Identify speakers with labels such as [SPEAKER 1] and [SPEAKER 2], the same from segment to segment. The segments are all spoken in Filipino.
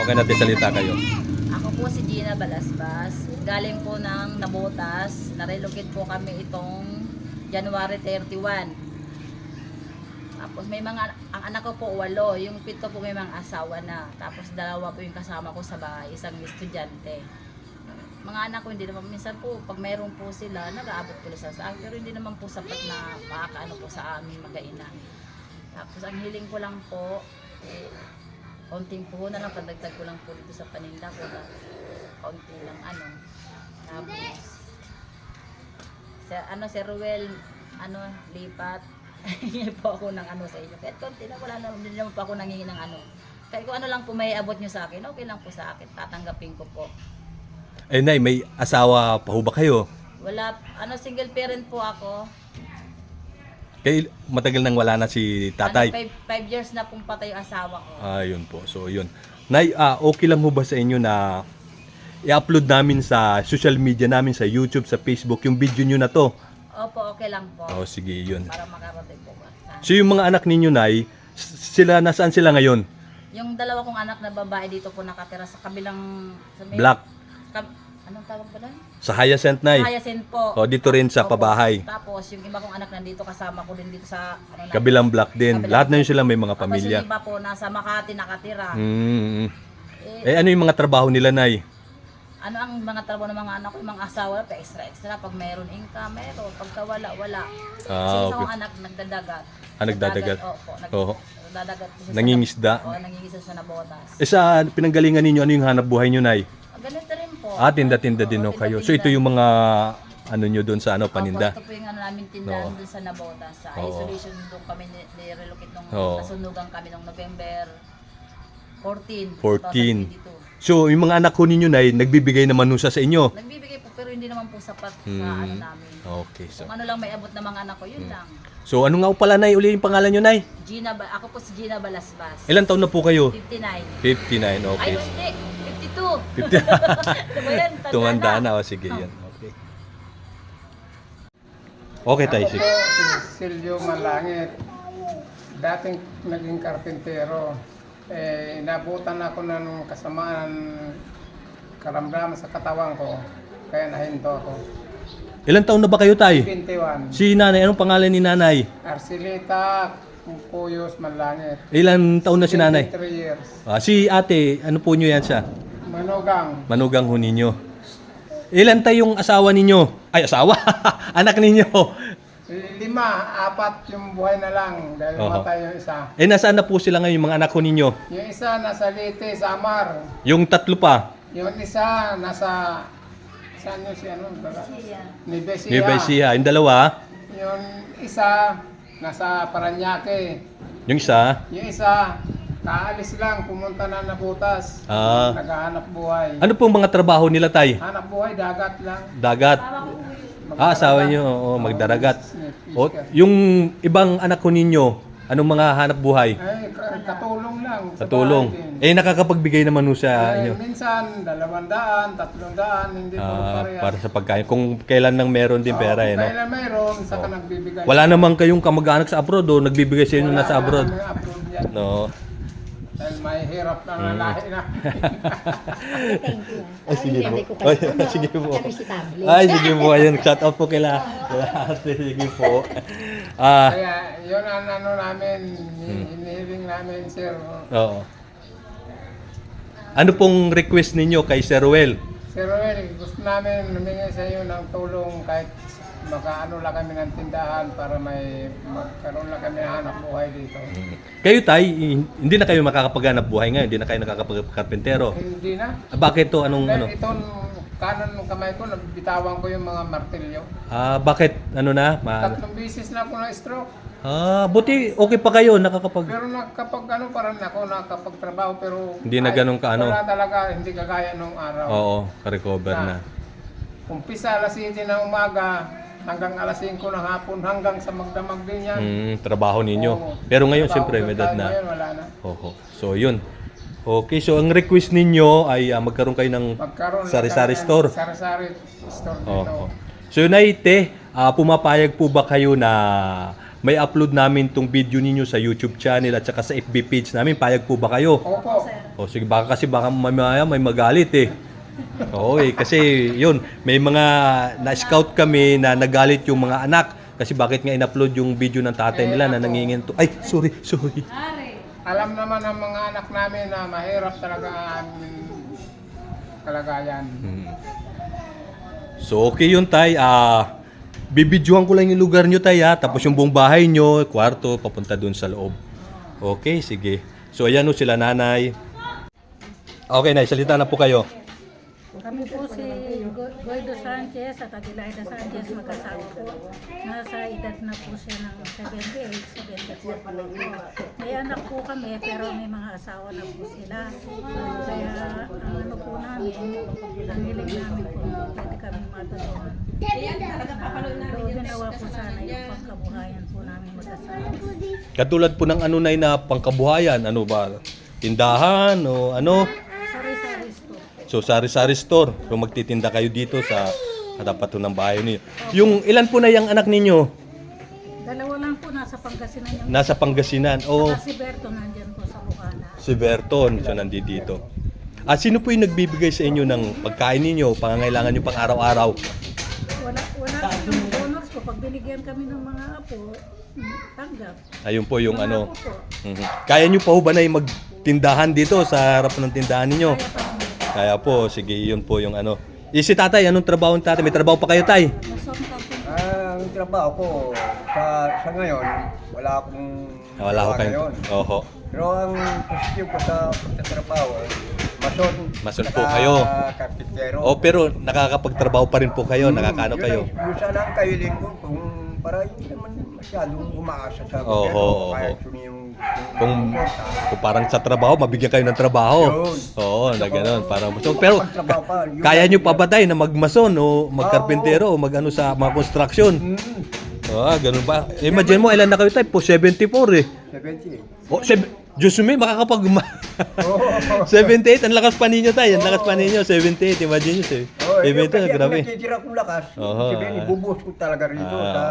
[SPEAKER 1] Baka natin salita kayo.
[SPEAKER 2] Ako po si Gina Balasbas. Galing po ng Nabotas. Narelocate po kami itong January 31. Tapos may mga, ang anak ko po 8. Yung 7 po may mga asawa na. Tapos 2 po yung kasama ko sa bahay. Isang estudyante. Mga anak ko hindi naman, minsan po pag mayroon po sila, nag-aabot po sila sa akin. Pero hindi naman po sapat na makakaano po sa amin mag-aina. Tapos ang hiling ko lang po, konting puhunan lang, pandagdag ko lang po dito sa paninda ko na konti lang ano. Tapos si Ruel lipat. Hingi po ako ng ano sa inyo. Kahit konti na, wala na, hindi naman po ako nangingi ng ano. Kahit kung ano lang po may abot nyo sa akin, okay lang po sa akin. Tatanggapin ko po.
[SPEAKER 1] Eh, Nay, may asawa pa ho ba kayo?
[SPEAKER 2] Wala, single parent po ako.
[SPEAKER 1] Kaya matagal nang wala na si tatay.
[SPEAKER 2] 5 years na pong patay yung asawa ko.
[SPEAKER 1] Ayun po. So, yun. Nay, okay lang ho ba sa inyo na i-upload namin sa social media namin, sa YouTube, sa Facebook, yung video nyo na to?
[SPEAKER 2] Opo, okay lang po.
[SPEAKER 1] Oh, sige, yun.
[SPEAKER 2] Para makarating po ba.
[SPEAKER 1] So, yung mga anak ninyo, Nay, nasaan sila ngayon?
[SPEAKER 2] Yung 2 kong anak na babae dito po nakatira sa kabilang...
[SPEAKER 1] Black.
[SPEAKER 2] Anong tawag ba doon?
[SPEAKER 1] Sa Hyacinth, Nay.
[SPEAKER 2] Hyacinth po.
[SPEAKER 1] O, dito rin sa
[SPEAKER 2] Opo.
[SPEAKER 1] pabahay.
[SPEAKER 2] Tapos, yung iba kong anak nandito, kasama ko din dito sa...
[SPEAKER 1] Kabilang block din.
[SPEAKER 2] Kabilang
[SPEAKER 1] Lahat na
[SPEAKER 2] block.
[SPEAKER 1] yun sila may mga
[SPEAKER 2] Tapos
[SPEAKER 1] pamilya.
[SPEAKER 2] yung iba po, nasa Makati nakatira.
[SPEAKER 1] Ano yung mga trabaho nila, Nay?
[SPEAKER 2] Ano ang mga trabaho ng mga anak ko, yung mga asawa, pa extra. Pag mayroon income, mayroon. Pagka wala. Kasi isang
[SPEAKER 1] Okay.
[SPEAKER 2] anak nagdadagat.
[SPEAKER 1] Nagdadagat.
[SPEAKER 2] Opo,
[SPEAKER 1] Oo.
[SPEAKER 2] nagdadagat.
[SPEAKER 1] Nangingisda.
[SPEAKER 2] Oo, nangingisda sa Nabotas.
[SPEAKER 1] Eh, sa pinanggalingan ninyo, ano yung hanap buhay nyo, Nay?
[SPEAKER 2] Ganito rin po.
[SPEAKER 1] Tinda-tinda din ho kayo. So, ito yung mga ano nyo doon sa paninda.
[SPEAKER 2] Opo, ito po yung namin tindahan
[SPEAKER 1] Oo.
[SPEAKER 2] doon sa Nabotas. Sa
[SPEAKER 1] Oo.
[SPEAKER 2] isolation doon kami nirelocate nung
[SPEAKER 1] Oo.
[SPEAKER 2] nasunugan kami nung November 14.
[SPEAKER 1] 14.
[SPEAKER 2] 2022.
[SPEAKER 1] So, yung mga anak ko ninyo, Nay, nagbibigay naman nun sa inyo.
[SPEAKER 2] Nagbibigay po pero hindi naman po sapat sa ano namin.
[SPEAKER 1] Okay. So,
[SPEAKER 2] Kung ano lang may abot ng mga anak ko, yun lang.
[SPEAKER 1] so ano nga po pala, Nay? Uli yung pangalan nyo, Nay?
[SPEAKER 2] Ako po si Gina Balasbas.
[SPEAKER 1] Ilan taon na po kayo?
[SPEAKER 2] 59.
[SPEAKER 1] 59, okay.
[SPEAKER 2] Ay, hindi. 52.
[SPEAKER 1] 50.
[SPEAKER 2] Diba yan?
[SPEAKER 1] Tumanda na. O, sige, yan. Okay. Okay, tayo.
[SPEAKER 3] Ako
[SPEAKER 1] Sige.
[SPEAKER 3] po si Silvio Malangit. Dating naging karpintero. Inabutan ako ng kasamaan karamdaman sa katawan ko. Kaya nahinto ako.
[SPEAKER 1] Ilan taon na ba kayo, Tay?
[SPEAKER 3] 21.
[SPEAKER 1] Si Nanay, anong pangalan ni Nanay?
[SPEAKER 3] Arcelita Puyos Malangit.
[SPEAKER 1] Ilan taon na si Nanay?
[SPEAKER 3] 23 years.
[SPEAKER 1] Si Ate, ano po nyo yan siya?
[SPEAKER 3] Manugang.
[SPEAKER 1] Manugang ho ninyo. Ilan tayong asawa ninyo? Ay, asawa? Anak ninyo?
[SPEAKER 3] 5, 4 yung buhay na lang dahil
[SPEAKER 1] Oho.
[SPEAKER 3] matay yung isa.
[SPEAKER 1] Nasaan na po sila ngayon, yung mga anak ho ninyo?
[SPEAKER 3] Yung isa nasa Leyte, Samar.
[SPEAKER 1] Yung tatlo pa?
[SPEAKER 3] Yung isa nasa... Saan yun si ano? Nibesia.
[SPEAKER 1] Nueva Ecija. Yung dalawa?
[SPEAKER 3] Yung isa nasa Paranaque.
[SPEAKER 1] Yung isa?
[SPEAKER 3] Yung isa kaalis lang, pumunta na Nabotas. Naghahanap buhay.
[SPEAKER 1] Ano pong mga trabaho nila, Tay?
[SPEAKER 3] Hanap buhay, dagat lang.
[SPEAKER 1] Dagat? Asawa nyo, magdaragat. O, yung ibang anak ko ninyo, anong mga hanap buhay?
[SPEAKER 3] Ay, katulong lang. sa
[SPEAKER 1] Katulong.
[SPEAKER 3] bahay din.
[SPEAKER 1] Nakakapagbigay naman nun sa inyo.
[SPEAKER 3] Minsan, 200, 300, hindi po parehas.
[SPEAKER 1] Para sa pagkain. Kung kailan nang meron din pera,
[SPEAKER 3] Kung
[SPEAKER 1] no?
[SPEAKER 3] kailan mayroon, saka nagbibigay.
[SPEAKER 1] Wala namang kayong kamag-anak sa abroad, o nagbibigay sa inyo nasa abroad.
[SPEAKER 3] Wala abroad yan.
[SPEAKER 1] No.
[SPEAKER 3] Dahil may hirap na lalahi na.
[SPEAKER 4] Thank you.
[SPEAKER 1] Ay, sige po.
[SPEAKER 4] Hindi ko
[SPEAKER 1] Ay,
[SPEAKER 4] kayo.
[SPEAKER 1] sige po.
[SPEAKER 4] Kami si tablet.
[SPEAKER 1] Ay, sige po. Ayun, shout out po kila. Sige po.
[SPEAKER 3] Kaya yun ang ano namin, hinihiling namin, sir.
[SPEAKER 1] Oo. Ano pong request ninyo kay Sir Ruel?
[SPEAKER 3] Sir Roel, gusto namin humingi sa iyo ng tulong kahit makaano lang kami ng tindahan para magkaroon lang kami ng hanap buhay dito.
[SPEAKER 1] Kayo, Tay, hindi na kayo makakapaghanap buhay ngayon. Hindi na kayo nakakapagkarpentero.
[SPEAKER 3] Hindi na.
[SPEAKER 1] Bakit to? Anong ano?
[SPEAKER 3] Dahil itong kanan ng kamay ko, nabitawan ko yung mga martilyo.
[SPEAKER 1] Bakit? Ano na?
[SPEAKER 3] 3 beses na ako na-stroke.
[SPEAKER 1] Buti okay pa kayo nakakapag...
[SPEAKER 3] Pero parang ako nakapagtrabaho pero...
[SPEAKER 1] Hindi na ganun ka, ano?
[SPEAKER 3] Wala talaga, hindi kagaya nung araw.
[SPEAKER 1] Oo, ka-recover na.
[SPEAKER 3] Umpisa alas 7 ng umaga, hanggang alas 5 ng hapon, hanggang sa magdamag din yan.
[SPEAKER 1] Trabaho ninyo.
[SPEAKER 3] Oo.
[SPEAKER 1] Pero ngayon,
[SPEAKER 3] Trabaho
[SPEAKER 1] siyempre, may edad
[SPEAKER 3] tayo
[SPEAKER 1] na.
[SPEAKER 3] ngayon, wala na.
[SPEAKER 1] Oo. So, yun. Okay, so ang request ninyo ay magkaroon kayo ng
[SPEAKER 3] Magkaroon
[SPEAKER 1] sari-sari
[SPEAKER 3] ng
[SPEAKER 1] store.
[SPEAKER 3] Sari-sari store dito.
[SPEAKER 1] Oo. So, Nay, Te, pumapayag po ba kayo na may upload namin tong video ninyo sa YouTube channel at saka sa FB page namin. Payag po ba kayo?
[SPEAKER 3] Opo.
[SPEAKER 1] O sige, baka mamaya may magalit eh. Oo eh, kasi yun, may mga na-scout kami na nagalit yung mga anak. Kasi bakit nga in-upload yung video ng tatay nila na nanginginto. Ay, sorry.
[SPEAKER 3] Alam naman ng mga anak namin na mahirap talaga ang kalagayan.
[SPEAKER 1] So okay yun tay, bibidyohan ko lang yung lugar nyo tay ha, tapos yung buong bahay nyo, kwarto, papunta dun sa loob. Okay, sige. So ayan o sila nanay. Okay nay, salita na po kayo.
[SPEAKER 4] Kami po si Guido Sanchez at Adelaida Sanchez, magkasama po. Nasa edad na po siya ng 78, 74 pa lang po. May anak po kami pero may mga asawa na po sila. Kaya ang ano po namin, ang hiling namin po, pwede kami matulungan. Loobin nawa po sana yung pagkabuhayan po namin mag-asawa.
[SPEAKER 1] Katulad po ng ano nay na pangkabuhayan, ano ba? Tindahan o ano?
[SPEAKER 4] Sari-sari store.
[SPEAKER 1] So sari-sari store. So magtitinda kayo dito sa harapan ng bahay niyo. Yung ilan po na yung anak ninyo?
[SPEAKER 4] Dalawa lang po nasa Pangasinan yung
[SPEAKER 1] Nasa Pangasinan. Oh,
[SPEAKER 4] si Berto nandyan po sa Bukana.
[SPEAKER 1] si Berton. So nandito. Sino po yung nagbibigay sa inyo ng pagkain ninyo, pangangailangan nyo pang araw-araw?
[SPEAKER 4] Wala po yung donors ko. Pag binigyan kami ng mga apo, tanggap.
[SPEAKER 1] Ayun po yung
[SPEAKER 4] Mga
[SPEAKER 1] ano.
[SPEAKER 4] apo po.
[SPEAKER 1] Kaya nyo pa ho ba na yung magtindahan dito sa harap ng tindahan ninyo?
[SPEAKER 4] Kaya pa kami.
[SPEAKER 1] Kaya po, sige, yun po yung ano. Si tatay, anong trabaho ng tatay? May trabaho pa kayo tay?
[SPEAKER 4] Masong ka po.
[SPEAKER 5] Ang trabaho ko sa ngayon, wala akong
[SPEAKER 1] Wala ko
[SPEAKER 5] gawa
[SPEAKER 1] kayo.
[SPEAKER 5] ngayon.
[SPEAKER 1] Oho.
[SPEAKER 5] Pero ang positive ko sa pagtatrabaho,
[SPEAKER 1] Mason po kayo.
[SPEAKER 5] Karpintero.
[SPEAKER 1] Oh, pero nakakapagtrabaho pa rin po kayo, nakakaano kayo.
[SPEAKER 5] Yun sana ang kahiling ko kung para hindi naman masyadong umaasa sa
[SPEAKER 1] Oho,
[SPEAKER 5] gobyerno. Kaya
[SPEAKER 1] oho.
[SPEAKER 5] yung
[SPEAKER 1] Kung parang sa trabaho, mabigyan kayo ng trabaho.
[SPEAKER 5] Yun.
[SPEAKER 1] Oo, na gano'n. Parang, so, pero
[SPEAKER 5] Pagtrabaho pa, yun
[SPEAKER 1] kaya
[SPEAKER 5] lang
[SPEAKER 1] nyo pa
[SPEAKER 5] yun.
[SPEAKER 1] ba tayo na magmason o magkarpintero o magano sa mga construction? Ganun ba? Imagine mo, ilan na kayo tayo? Po 74 eh.
[SPEAKER 5] 70.
[SPEAKER 1] Oh, Diyos me, makakapag...
[SPEAKER 5] Oo.
[SPEAKER 1] 78, ang lakas pa ninyo tayo. Ang lakas pa ninyo, 78. Imagine nyo, 78, grabe.
[SPEAKER 5] Ang natitira kong lakas,
[SPEAKER 1] Oho,
[SPEAKER 5] sabihin, ibubuhos ko talaga rito sa...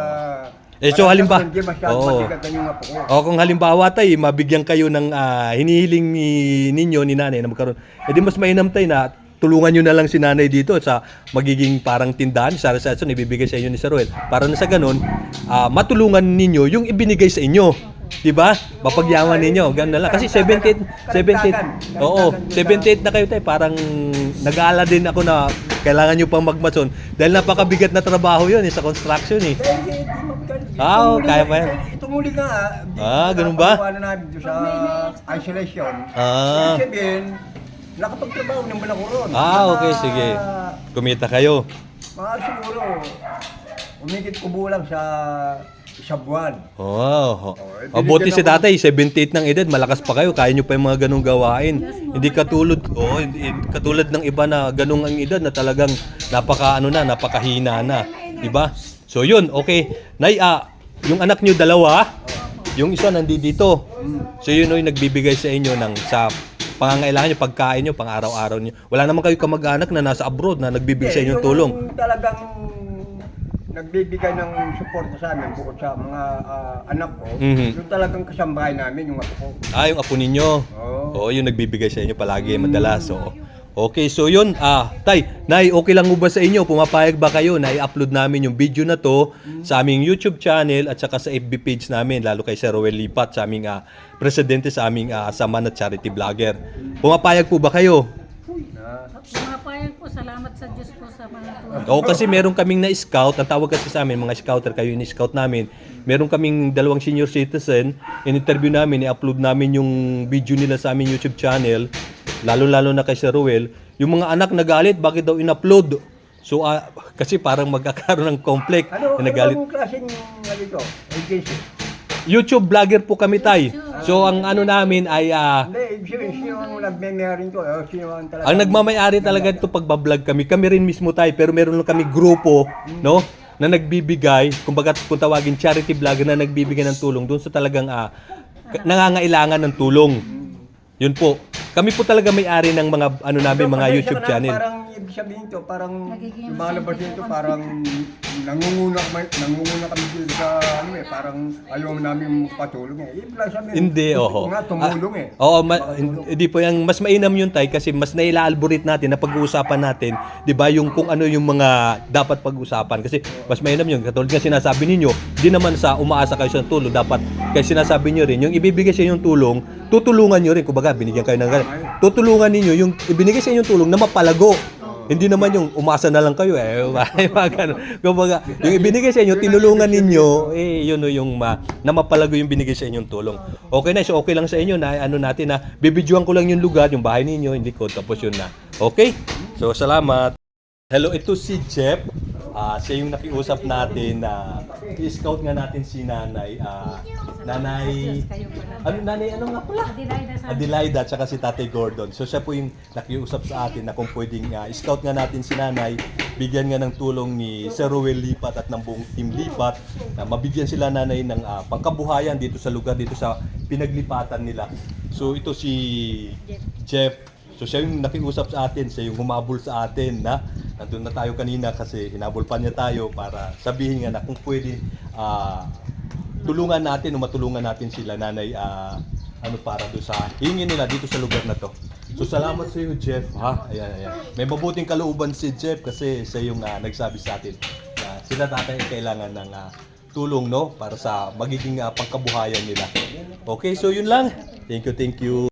[SPEAKER 1] So halimbawa,
[SPEAKER 5] Hindi masyadong matigatan yung apo ko.
[SPEAKER 1] kung halimbawa tayo, mabigyan kayo ng hinihiling ninyo ni nanay na magkaroon, edi mas mainam tayo na tulungan nyo na lang si nanay dito sa magiging parang tindahan, sari-sari ibibigay sa inyo ni Sir Ruel. Para na sa ganun, matulungan ninyo yung ibinigay sa inyo. Diba? Mapagyaman ninyo. Ganun na lang. Kasi 78, oo, 78 na kayo tayo. Parang nag-aala din ako na kailangan nyo pang magmason. Dahil napakabigat na trabaho yun sa construction eh. Kaya pa yan.
[SPEAKER 5] Itong muli nga,
[SPEAKER 1] ganun ba?
[SPEAKER 5] Ano namin doon sa isolation.
[SPEAKER 1] Ah.
[SPEAKER 5] Ibig sabihin, nakapagtrabaho ng balakuron.
[SPEAKER 1] Okay, sige. Kumita kayo.
[SPEAKER 5] Mga siguro, umigit kubulang sa isang buwan.
[SPEAKER 1] Buti si tatay, 78 ng edad, malakas pa kayo, kaya nyo pa yung mga ganong gawain. Hindi katulad, hindi katulad ng iba na ganong ang edad na talagang napakahina na. Diba? So yun, okay. Nay, yung anak nyo dalawa, yung isa nandito. So yun yung nagbibigay sa inyo sa pangangailangan nyo, pagkain nyo, pang araw-araw nyo. Wala naman kayo kamag-anak na nasa abroad na nagbibigay sa inyo tulong.
[SPEAKER 5] Yung talagang nagbibigay ng suporta sa amin bukod sa mga anak ko, yung talagang kasambahay namin, yung apo ko.
[SPEAKER 1] Yung apo ninyo. Oo, yung nagbibigay sa inyo palagi, madalas. Okay, so yun, tay, nay, okay lang mo ba sa inyo? Pumapayag ba kayo na i-upload namin yung video na to sa aming YouTube channel at saka sa FB page namin, lalo kay Sir Ruel Lipat, sa aming presidente sa aming Samahan at Charity Vlogger. Pumapayag po ba kayo?
[SPEAKER 4] Pumapayag po, salamat sa Diyos po sa mga tulong.
[SPEAKER 1] Oo, kasi meron kaming na-scout, ang tawag kasi sa amin, mga scouter, kayo in-scout namin. Meron kaming 2 senior citizen, in-interview namin, i-upload namin yung video nila sa aming YouTube channel, lalo-lalo na kay Sir Ruel. Yung mga anak nagalit, bakit daw in-upload? So, kasi parang magkakaroon ng conflict.
[SPEAKER 5] Ano
[SPEAKER 1] Nagalit.
[SPEAKER 5] bang klaseng ito? Agency?
[SPEAKER 1] YouTube vlogger po kami, tay. So, ang ano namin ay...
[SPEAKER 5] Hindi, sino ang nagme-merin ko? Sino ang talaga?
[SPEAKER 1] ang nagmamayari talaga ito pagbablog kami. Kami rin mismo, tay. Pero meron lang kami grupo, no? Na nagbibigay, kumbaga kung tawagin charity vlogger na nagbibigay ng tulong doon sa talagang nangangailangan ng tulong. Yun po. Kami po talaga may-ari ng mga ano namin, mga
[SPEAKER 5] Pasensya
[SPEAKER 1] YouTube
[SPEAKER 5] ka na,
[SPEAKER 1] channel.
[SPEAKER 5] Parang ibig sabihin to, parang
[SPEAKER 4] Nagiging
[SPEAKER 5] lumalabas dito, parang nangunguna kami dito sa ano eh, parang ayaw namin magpatulong eh. Ibig lang sabihin,
[SPEAKER 1] Hindi,
[SPEAKER 5] gusto
[SPEAKER 1] oho.
[SPEAKER 5] ko nga tumulong eh.
[SPEAKER 1] Oo, hindi po yan. Mas mainam yun, Tay, kasi mas naila-algorit natin na pag-uusapan natin, di ba, yung kung ano yung mga dapat pag-usapan. Kasi mas mainam yun. Katulad nga sinasabi ninyo, di naman sa umaasa kayo sa tulong, dapat, kaya sinasabi nyo rin, yung ibibigay sa inyong tulong, tutulungan nyo rin. Kumbaga, binigyan kayo ng ganun. Tutulungan ninyo yung ibinigay sa inyong tulong na mapalago. Hindi naman yung umasa na lang kayo eh. Mga ganun. Kumbaga, yung ibinigay sa inyo, tinulungan ninyo, yun o yung na mapalago yung binigay sa inyong tulong. Okay na, so okay lang sa inyo na ano natin na bibidyoan ko lang yung lugar, yung bahay ninyo, hindi ko, tapos yun na. Okay? So, salamat. Hello, ito si Jeff. Siya yung nakiusap natin na i-scout nga natin si Nanay. Nanay, Nanay, ano nga pala? Adelaida at saka si Tatay Gordon. So siya po yung nakiusap sa atin na kung pwedeng scout nga natin si Nanay, bigyan nga ng tulong ni Sir Ruel Lipat at ng buong team Lipat na mabigyan sila Nanay ng pangkabuhayan dito sa lugar, dito sa pinaglipatan nila. So ito si Jeff. So siya yung nakiusap sa atin, siya yung humabol sa atin na nandun na tayo kanina kasi hinabol pa niya tayo para sabihin nga na kung pwede tulungan natin o matulungan natin sila Nanay ano para do sa hingin nila dito sa lugar na to. So salamat sa iyo, Jeff, ha. Ayan. May mabuting kalooban si Jeff kasi siya yung nagsabi sa atin na sila tatay ay kailangan ng tulong, no, para sa magiging pangkabuhayan nila. Okay, so yun lang. Thank you.